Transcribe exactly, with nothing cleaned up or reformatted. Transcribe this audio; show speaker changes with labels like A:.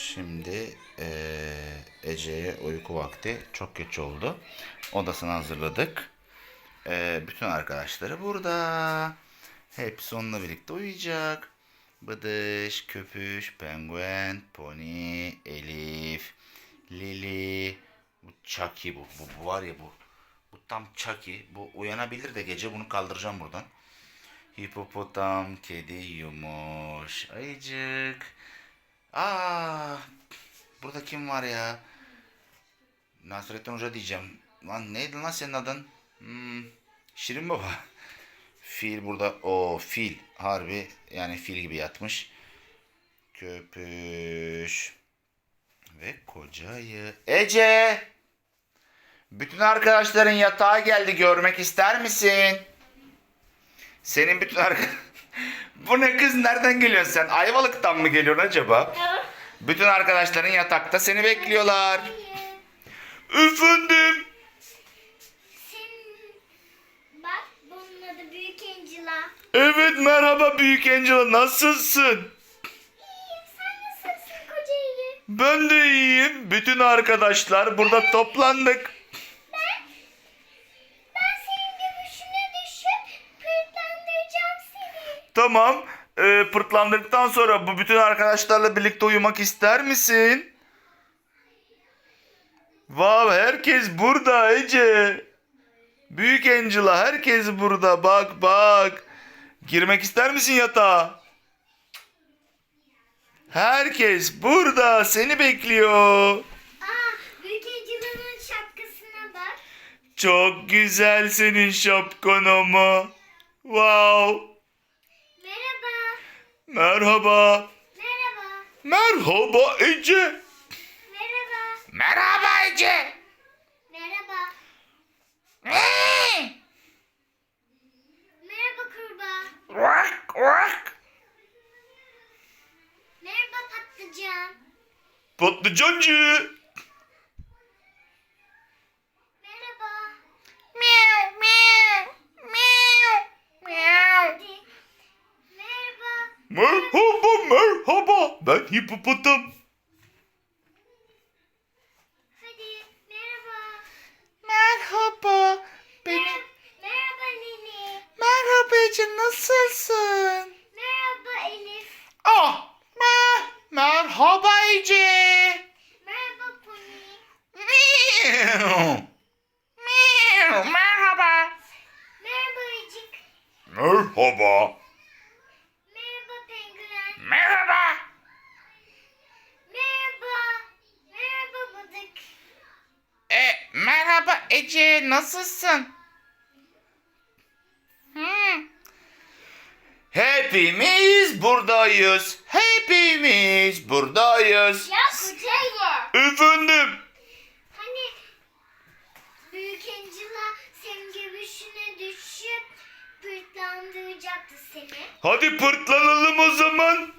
A: Şimdi eee, Ece'ye uyku vakti. Çok geç oldu. Odasını hazırladık. Eee, bütün arkadaşları burada. Hepsi onunla birlikte uyuyacak. Bıdış, Köpüş, Penguen, Pony, Elif, Lili. Bu Chucky bu. Bu, bu var ya bu. Bu tam Chucky. Bu uyanabilir de gece bunu kaldıracağım buradan. Hipopotam, kedi, yumuş, ayıcık. Aa, burada kim var ya? Nasrettin Hoca diyeceğim. Lan neydi lan senin adın? Hmm, Şirin Baba. Fil burada. O fil. Harbi yani fil gibi yatmış. Köpüş. Ve kocayı. Ece! Bütün arkadaşların yatağa geldi. Görmek ister misin? Senin bütün arkadaş... Bu ne kız? Nereden geliyorsun sen? Ayvalık'tan mı geliyorsun acaba? Bütün arkadaşların yatakta seni bekliyorlar. Efendim?
B: Senin bak bunun adı Büyük Angela.
A: Evet merhaba Büyük Angela, nasılsın?
B: İyiyim, sen nasılsın koca iyi?
A: Ben de iyiyim. Bütün arkadaşlar burada toplandık.
B: Ben, ben senin göbüşüne düşüp pırtlandıracağım seni.
A: Tamam. Ee, pırtlandıktan sonra bu bütün arkadaşlarla birlikte uyumak ister misin? Vav, herkes burada Ece. Büyük Angela, herkes burada. Bak bak. Girmek ister misin yatağa? Herkes burada seni bekliyor.
B: Aa, Büyük Angela'nın şapkasına bak.
A: Çok güzel senin şapkan ama. Wow.
B: Merhaba.
A: Merhaba.
B: Merhaba.
A: Merhaba Ece.
B: Merhaba.
A: Merhaba Ece.
B: Merhaba. Merhaba kurbağa.
A: Vak vak.
B: Merhaba patlıcan.
A: Patlıcancı.
B: Merhaba.
A: Miau miau. Miau miau.
B: Hadi. Merhaba.
A: Merhaba merhaba. Ben hipopotam.
B: Hadi. Merhaba.
A: Merhaba.
B: Mer- Merhaba Lili.
A: Merhaba Ece, nasılsın?
B: Merhaba Elif.
A: Ah, mer merhaba Ece.
B: Merhaba Pony.
A: Miau. Miau, merhaba.
B: Merhaba Ayıcık.
A: Merhaba.
B: Merhaba Penguen.
A: Merhaba.
B: Merhaba. Merhaba Bıdık.
A: E, merhaba Ece, nasılsın? Hmm. Hepimiz buradayız. Hepimiz buradayız.
B: Ya kocayı.
A: Efendim?
B: Hani Büyük Angela senin göbüşüne düşüp pırtlandıracaktı seni.
A: Hadi pırtlanalım o zaman.